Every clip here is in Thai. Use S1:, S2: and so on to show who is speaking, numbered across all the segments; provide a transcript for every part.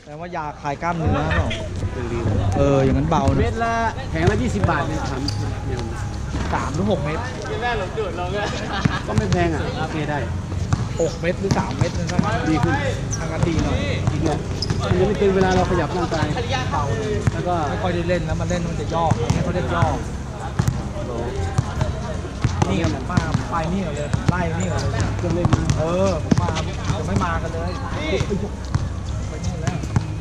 S1: แต่ว่ายาคลายกล้ามเนื้อเปล่า
S2: ดี
S1: อย่างนั้นเบา
S2: เม็
S1: นะ
S2: ดละแผงละ20 บาทเนี่ยทำเนี่ย
S1: 3 หรือ 6 เม็ด
S2: ก็ไม่แพงอ่ะโอเคได้
S1: 6 เม็ดหรือ 3 เม็ดนั่นก็
S2: ดีขึ้น
S1: ทางกันดีหน่อย
S2: เนี่ยมันจะไม่เกินเวลาเราขยับร่างกาย
S1: เบาเลย
S2: แล้วก็
S1: ไม่ค่อยได้เล่นแล้วมันเล่นมันจะย่อไม่เขาเรียกย่อนี่มาไปนี่ก่อนเลยไล่นี่ก่อนเลย
S2: เครื่องเล่นนะ
S1: ผมมาจะไม่มากันเลยไปนี่แล้ว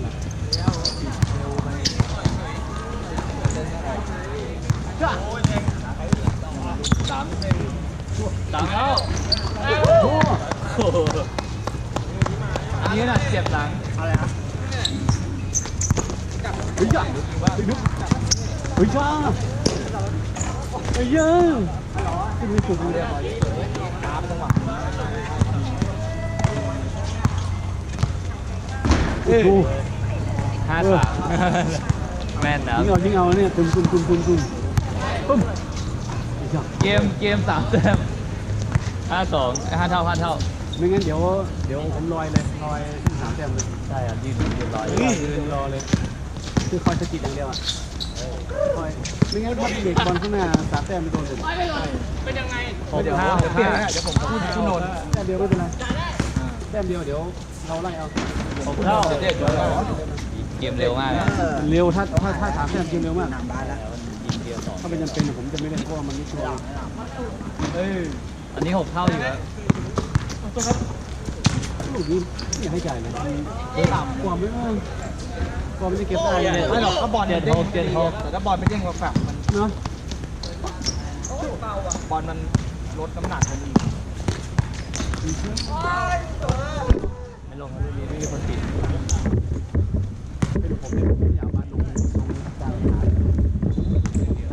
S1: สามแล้วอันนี้น่ะเจ็บหลังอะไรฮะ
S2: เฮ้ยจ้าเฮ้ยจ้าเฮ้ยยังที่มีสุดเลย
S1: ตามจังหวะ
S2: โอ้โห
S3: 53แม่นนะ
S2: ยิงเอาเนี่ยตุ้มปุ้ม
S3: เกม3 แต้ม52 5 เท่า
S2: ไม่งั้นเดี๋ยวผมลอยเลยลอยขึ้น3 แต้มเลย
S3: ใช่อ่ะยืนรอ
S2: ยืนรอเลยคือคอยสะกิดอย่างเดียวอ่ะคอยไม่งั้นถ้าเด็กบอลข้างหน้า3 แต้มไม่โดนเลย
S1: เดี๋ยวเปลี่ยนเดี๋ยวผมพูดคุณนนท์
S2: แต้มเดียวไม่เป็นไรแต้มเดียวเดี๋ยวเราไล่เอา
S3: 6 เท่าเกมเร็วมากนะ
S2: เร็วถ้า3 แต้มเกมเร็วมาก
S1: นำบ้านแล้ว
S3: ยิงเดียว2
S2: ถ้าเป็นจำเป็นผมจะไม่เล่นเพราะว่ามันไม่ชัวร์
S3: อันนี้6 เท่าอยู่แล้ว
S2: ลูกนี้ไม่อยากให้จ่ายเลยความไม่ความไม่ได้เก็บได้เลย
S1: ไม่หรอกก็บอลมันเด้งแต่ถ้าบอลไม่เด้งเราแฝงมัน
S2: เนาะ
S1: บอลมันลดน้ำหนักมันอีก
S3: ไม่ลงแล้วไม่มีคนติด
S2: เป็นผมเนี่ยผมอยากมาลงกลางขา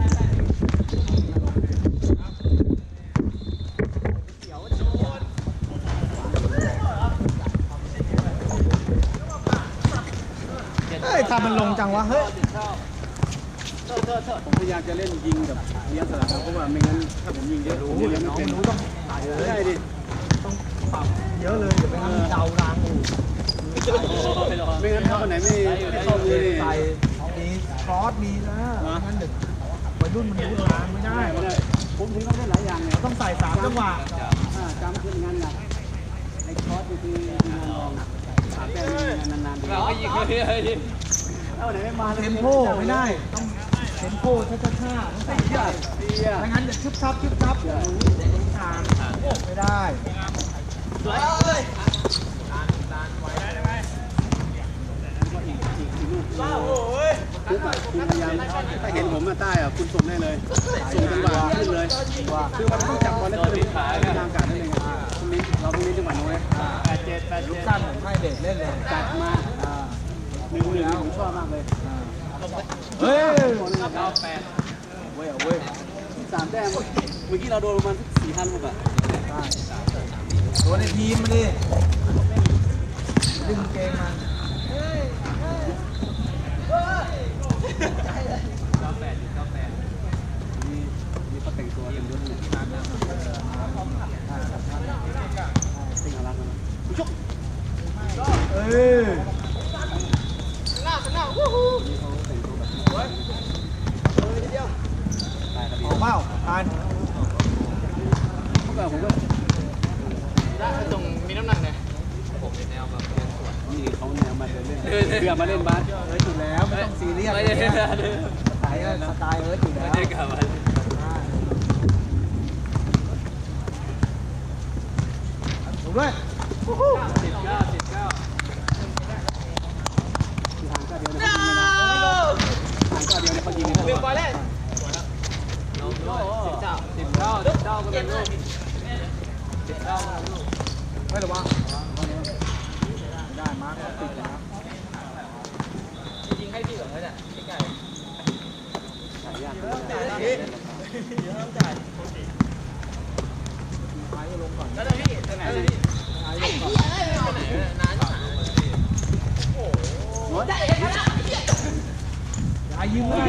S1: ทำมันลงจังวะเฮ้ย
S2: ผมพยายามจะเล่นยิงแบบเลี้ยงสลับเพราะว่าไม่งั้นถ้าผมยิงเยอะผมเลี้ยงไม่เป็น
S1: ต้องใส่เลย
S2: ใช่ดิ
S1: ต้องปรับเยอะเลยเดี๋ยวไปทำเดารางอู่
S2: ไม่งั้นถ้าคนไหนไม่เข้ามือนี่
S1: ใส่มีครอสมีนะงั้นเด็กวัยรุ่นมันรู้ทางไม่ได้
S2: ไม่ได้ผมถึงต้องเล่นหลายอย่างเนี่ย
S1: ต้องใส่3 จังหวะ
S2: จำขึ้นงานหนักไอ้คอร์สคือมีงานรอง3 แต้มนานๆดีเอาไหนไม่มา
S1: เทมโพไม่ได้ต้องเทมโพช้าๆต้องใส่ใหญ่ไม่งั้นจะชึบชับทางไม่ได้
S2: คุณพยายามถ้าเห็นผมมาใต้อะคุณส่งได้เลยส่งจังหวะขึ้นเลยคือมันต้องจับบอลแล้วคือทางการนั่นเองตรงนี้เราต้องเล่นจังหวะน้อย
S1: ลูกสั้นผมให้เด็กเล่นเลย
S2: จัดมา1-1ผมชอบมากเลย
S1: เฮ้ย
S2: เว้ย3 แต้มเมื่อกี้เราโดนประมาณ4,000 ลูกอะ
S1: ตัวในทีมมาดิดึงเกงมัน
S2: นี่เขาแต่งตัวเป็นยศเนี่ยสิ่งอะไรกันชุก
S1: เอ้ย
S2: นี่เขาแต่งตัวแบบนี้ตายครับ
S1: ออกเปล่าทาน
S2: เมื่อก่อนผมก็
S3: ตรงมีน้ำหนักไงผมเป็นแนวแบบเดินสวน
S2: นี่เขาแนวมาเดินเล่นเพื่อมาเล่นบาส
S1: ถูกแล้วไม่ต้องซีเรียส
S3: ไม่ได้
S1: สไตล์อยู่แล้ว
S3: กลับมา
S1: ถูกด้วย
S2: ที่ทางก็เดียวนะทางก็เดียวนะเขายิงเลย
S3: บอลเล่นลงด้วย10 เท่าก็เป็นลูก10 เท่า
S1: ไม่หรอวะได้มาร์คติดแล้ว
S3: ยิงให้พี่เหรอเนี่ยใกล้
S2: สายยาก
S1: ท้ายลงก่อน
S3: แล้วพี่ตรงไหนพี่
S1: ท้ายลงก่อน
S3: นาน
S1: อย่ายืมเลย